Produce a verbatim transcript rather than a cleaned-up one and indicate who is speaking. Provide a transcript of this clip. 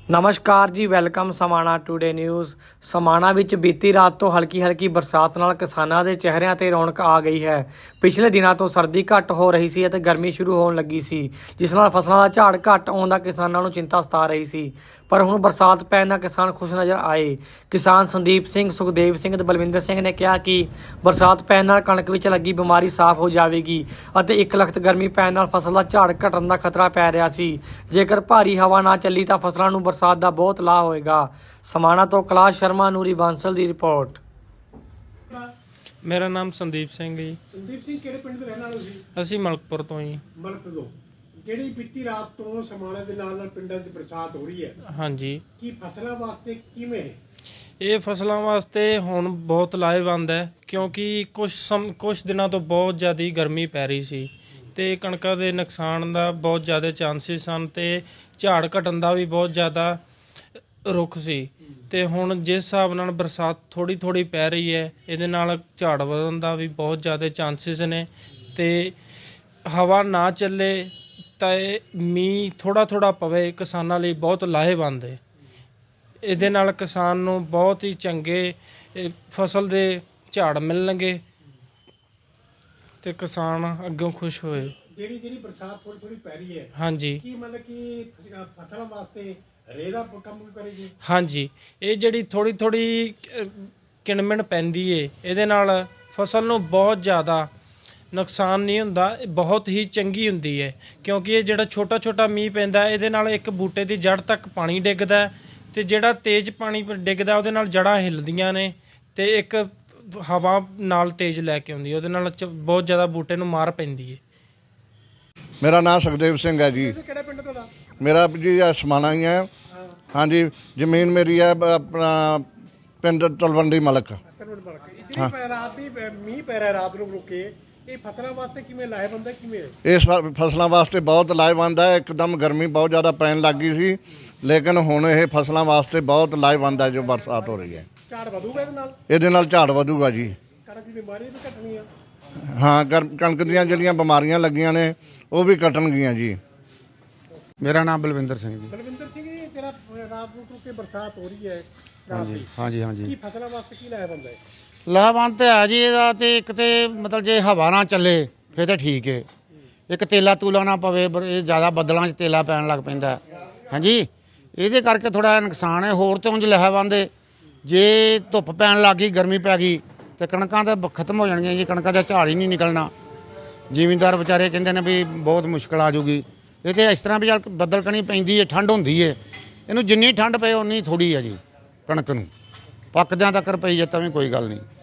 Speaker 1: ਨਮਸਕਾਰ ਜੀ, welcome Samana today news. Samana ਵਿੱਚ ਬੀਤੀ ਰਾਤ ਤੋਂ ਹਲਕੀ ਹਲਕੀ ਬਰਸਾਤ ਨਾਲ ਕਿਸਾਨਾਂ ਦੇ ਚਿਹਰਿਆਂ ਤੇ ਰੌਣਕ ਆ ਗਈ ਹੈ। ਪਿਛਲੇ ਦਿਨਾਂ ਤੋਂ ਸਰਦੀ ਘੱਟ ਹੋ ਰਹੀ ਸੀ ਅਤੇ ਗਰਮੀ ਸ਼ੁਰੂ ਹੋਣ ਲੱਗੀ ਸੀ, ਜਿਸ ਨਾਲ ਫਸਲਾਂ ਦਾ ਝਾੜ ਘੱਟ ਆਉਣ ਦਾ ਕਿਸਾਨਾਂ ਨੂੰ ਚਿੰਤਾ ਸਤਾ ਰਹੀ ਸੀ। ਪਰ ਹੁਣ ਬਰਸਾਤ ਪੈਣ ਨਾਲ ਕਿਸਾਨ ਖੁਸ਼ ਨਜ਼ਰ ਆਏ। ਕਿਸਾਨ ਸੰਦੀਪ ਸਿੰਘ, ਸੁਖਦੇਵ ਸਿੰਘ ਤੇ ਬਲਵਿੰਦਰ ਸਿੰਘ ਨੇ ਕਿਹਾ ਕਿ ਬਰਸਾਤ ਪੈਣ ਨਾਲ ਕਣਕ ਵਿੱਚ ਲੱਗੀ ਬਿਮਾਰੀ ਸਾਫ਼ ਹੋ ਜਾਵੇਗੀ ਅਤੇ ਇੱਕ ਲਖਤ ਗਰਮੀ ਪੈਣ ਨਾਲ ਫਸਲ ਦਾ ਝਾੜ ਘਟਣ ਦਾ ਖਤਰਾ ਪੈ ਰਿਹਾ ਸੀ। ਜੇਕਰ ਭਾਰੀ ਹਵਾ ਨਾ ਚੱਲੀ ਤਾਂ ਫਸਲਾਂ ਨੂੰ ਬਰਸਾਤ ਦਾ ਬਹੁਤ ਲਾਭ ਹੋਏਗਾ। ਸਮਾਣਾ ਤੋਂ ਕੈਲਾਸ਼ ਸ਼ਰਮਾ, ਨੂਰੀ ਬਾਂਸਲ ਦੀ ਰਿਪੋਰਟ।
Speaker 2: ਮੇਰਾ ਨਾਮ ਸੰਦੀਪ ਸਿੰਘ ਜੀ।
Speaker 3: ਸੰਦੀਪ ਸਿੰਘ ਕਿਹੜੇ ਪਿੰਡ ਦੇ ਰਹਿਣ ਵਾਲੇ ਸੀ?
Speaker 2: ਅਸੀਂ ਮਲਕਪੁਰ ਤੋਂ ਜੀ।
Speaker 3: ਮਲਕਪੁਰ ਤੋਂ। ਜਿਹੜੀ ਬੀਤੀ ਰਾਤ ਤੋਂ ਸਮਾਣਾ ਦੇ ਨਾਲ ਨਾਲ ਪਿੰਡਾਂ 'ਚ ਬਰਸਾਤ ਹੋ ਰਹੀ ਹੈ,
Speaker 2: ਹਾਂਜੀ,
Speaker 3: ਕੀ ਫਸਲਾਂ ਵਾਸਤੇ ਕਿਵੇਂ ਹੈ?
Speaker 2: ਇਹ ਫਸਲਾਂ ਵਾਸਤੇ ਹੁਣ ਬਹੁਤ ਲਾਹੇਵੰਦ ਹੈ, ਕਿਉਂਕਿ ਕੁਝ ਸਮ ਕੁਝ ਦਿਨਾਂ ਤੋਂ ਬਹੁਤ ਜ਼ਿਆਦਾ ਗਰਮੀ ਪੈ ਰਹੀ ਸੀ ਤੇ ਕਣਕਾਂ ਦੇ ਨੁਕਸਾਨ ਦਾ ਬਹੁਤ ਜ਼ਿਆਦਾ ਚਾਂਸਿਸ ਸਨ ਤੇ ਝਾੜ ਘਟਣ ਦਾ ਵੀ ਬਹੁਤ ਜ਼ਿਆਦਾ ਰੁੱਖ ਸੀ। ਤੇ ਹੁਣ ਜਿਸ ਹਿਸਾਬ ਨਾਲ ਬਰਸਾਤ ਥੋੜੀ ਥੋੜੀ ਪੈ ਰਹੀ ਹੈ, ਇਹਦੇ ਨਾਲ ਝਾੜ ਵਧਣ ਦਾ ਵੀ ਬਹੁਤ ਜ਼ਿਆਦਾ ਚਾਂਸਿਸ ਨੇ। ਤੇ ਹਵਾ ਨਾ ਚੱਲੇ ਤਾਂ ਇਹ ਮੀਂਹ ਥੋੜਾ ਥੋੜਾ ਪਵੇ, ਕਿਸਾਨਾਂ ਲਈ ਬਹੁਤ ਲਾਹੇਵੰਦ ਹੈ। ਇਹਦੇ ਨਾਲ ਕਿਸਾਨ ਨੂੰ ਬਹੁਤ ਹੀ ਚੰਗੇ ਫਸਲ ਦੇ ਝਾੜ ਮਿਲਣਗੇ ਤੇ ਕਿਸਾਨ ਅੱਗੋਂ ਖੁਸ਼ ਹੋਏ।
Speaker 3: ਜਿਹੜੀ ਜਿਹੜੀ ਬਰਸਾਤ ਥੋੜੀ ਥੋੜੀ ਪੈ ਰਹੀ ਹੈ,
Speaker 2: ਹਾਂਜੀ,
Speaker 3: ਕੀ ਮਤਲਬ ਕਿ ਫਸਲਾਂ ਵਾਸਤੇ ਰੇਹ ਦਾ ਕੰਮ ਵੀ ਕਰੇਗੀ?
Speaker 2: ਹਾਂਜੀ, ਇਹ ਜਿਹੜੀ ਥੋੜੀ ਥੋੜੀ ਕਿਣਮਿਣ ਪੈਂਦੀ ਏ, ਇਹਦੇ ਨਾਲ ਫਸਲ ਨੂੰ ਬਹੁਤ ਜ਼ਿਆਦਾ ਨੁਕਸਾਨ ਨਹੀਂ ਹੁੰਦਾ, ਬਹੁਤ ਹੀ ਚੰਗੀ ਹੁੰਦੀ ਹੈ। ਕਿਉਂਕਿ ਇਹ ਜਿਹੜਾ ਛੋਟਾ ਛੋਟਾ ਮੀਂਹ ਪੈਂਦਾ, ਇਹਦੇ ਨਾਲ ਇੱਕ ਬੂਟੇ ਦੀ ਜੜ ਤੱਕ ਪਾਣੀ ਡਿੱਗਦਾ ਤੇ ਜਿਹੜਾ ਤੇਜ਼ ਪਾਣੀ ਡਿੱਗਦਾ ਉਹਦੇ ਨਾਲ ਜੜ੍ਹਾਂ ਹਿੱਲਦੀਆਂ ਨੇ ਤੇ ਇੱਕ ਹਵਾ ਨਾਲ ਤੇਜ਼ ਲੈ ਕੇ ਆਉਂਦੀ, ਉਹਦੇ ਨਾਲ ਬਹੁਤ ਜ਼ਿਆਦਾ ਬੂਟੇ ਨੂੰ ਮਾਰ ਪੈਂਦੀ ਹੈ।
Speaker 4: ਮੇਰਾ ਨਾਮ ਸੁਖਦੇਵ ਸਿੰਘ ਹੈ ਜੀ।
Speaker 3: ਕਿਹੜਾ ਪਿੰਡ ਤੁਹਾਡਾ?
Speaker 4: ਮੇਰਾ ਜੀ ਸਮਾਣਾ ਹੀ ਹੈ। ਹਾਂਜੀ, ਜ਼ਮੀਨ ਮੇਰੀ ਹੈ ਆਪਣਾ ਪਿੰਡ ਤਲਵੰਡੀ ਮਲਕ।
Speaker 3: ਜਿਹੜੀ ਰਾਤ ਦੀ ਮੀਂਹ ਪੈ ਰਿਹਾ ਰਾਤ ਨੂੰ ਰੁਕ ਕੇ, ਇਹ ਫਸਲਾਂ ਵਾਸਤੇ ਕਿਵੇਂ ਲਾਹੇਵੰਦ ਹੈ? ਕਿਵੇਂ
Speaker 4: ਇਸ ਫਸਲਾਂ ਵਾਸਤੇ ਬਹੁਤ ਲਾਹੇਵੰਦ ਹੈ। ਇੱਕਦਮ ਗਰਮੀ ਬਹੁਤ ਜ਼ਿਆਦਾ ਪੈਣ ਲੱਗ ਗਈ ਸੀ, ਲੇਕਿਨ ਹੁਣ ਇਹ ਫਸਲਾਂ ਵਾਸਤੇ ਬਹੁਤ ਲਾਹੇਵੰਦ ਹੈ ਜੋ ਬਰਸਾਤ ਹੋ ਰਹੀ ਹੈ।
Speaker 3: ਝਾੜ ਵਧੂਗਾ ਇਹਦੇ ਨਾਲ?
Speaker 4: ਇਹਦੇ ਨਾਲ ਝਾੜ ਵਧੂਗਾ ਜੀ।
Speaker 3: ਕਣਕ ਦੀ ਬਿਮਾਰੀ ਵੀ ਘਟਣੀ ਆ?
Speaker 4: ਹਾਂ, ਕਣਕ ਦੀਆਂ ਜਿਹੜੀਆਂ ਬਿਮਾਰੀਆਂ ਲੱਗੀਆਂ ਨੇ ਉਹ ਵੀ ਘਟਣਗੀਆਂ ਜੀ।
Speaker 5: ਮੇਰਾ ਨਾਮ ਬਲਵਿੰਦਰ ਸਿੰਘ ਜੀ।
Speaker 3: ਬਲਵਿੰਦਰ ਸਿੰਘ, ਜਿਹੜਾ ਰਾਤ ਨੂੰ ਰੁਕ ਕੇ ਬਰਸਾਤ ਹੋ ਰਹੀ ਹੈ ਰਾਤ
Speaker 5: ਹਾਂਜੀ
Speaker 3: ਦੀ,
Speaker 5: ਹਾਂਜੀ ਹਾਂਜੀ
Speaker 3: ਕੀ ਫਸਲਾਂ ਵਾਸਤੇ ਕੀ ਲਾਹੇਵੰਦ ਹੈ?
Speaker 5: ਲਾਹੇਵੰਦ ਤਾਂ ਹੈ ਜੀ ਇਹਦਾ। ਤੇ ਇੱਕ ਤੇ ਮਤਲਬ ਜੇ ਹਵਾ ਨਾ ਚੱਲੇ ਫਿਰ ਤਾਂ ਠੀਕ ਹੈ। ਇੱਕ ਤੇਲਾ ਤੂਲਾ ਨਾ ਪਵੇ, ਇਹ ਜ਼ਿਆਦਾ ਬੱਦਲਾਂ 'ਚ ਤੇਲਾ ਪੈਣ ਲੱਗ ਪੈਂਦਾ। ਹਾਂਜੀ, ਇਹਦੇ ਕਰਕੇ ਥੋੜ੍ਹਾ ਨੁਕਸਾਨ ਹੈ। ਹੋਰ ਤਾਂ ਉਂਝ ਲਾਹੇਵੰਦ ਹੈ। ਜੇ ਧੁੱਪ ਪੈਣ ਲੱਗ ਗਈ, ਗਰਮੀ ਪੈ ਗਈ ਤੇ ਕਣਕਾਂ ਤਾਂ ਖਤਮ ਹੋ ਜਾਣਗੀਆਂ ਜੀ। ਕਣਕਾਂ ਦਾ ਝਾੜ ਹੀ ਨਹੀਂ ਨਿਕਲਣਾ। ਜ਼ਿਮੀਂਦਾਰ ਵਿਚਾਰੇ ਕਹਿੰਦੇ ਨੇ ਵੀ ਬਹੁਤ ਮੁਸ਼ਕਲ ਆ ਜਾਊਗੀ। ਇਹ ਤਾਂ ਇਸ ਤਰ੍ਹਾਂ ਵੀ ਚੱਲ ਬੱਦਲ ਕਣੀ ਪੈਂਦੀ ਹੈ, ਠੰਡ ਹੁੰਦੀ ਹੈ। ਇਹਨੂੰ ਜਿੰਨੀ ਠੰਡ ਪਏ ਉਨੀ ਥੋੜ੍ਹੀ ਹੈ ਜੀ। ਕਣਕ ਨੂੰ ਪੱਕਦਿਆਂ ਤੱਕ ਪਈ ਜੇ ਤਾਂ ਵੀ ਕੋਈ ਗੱਲ ਨਹੀਂ।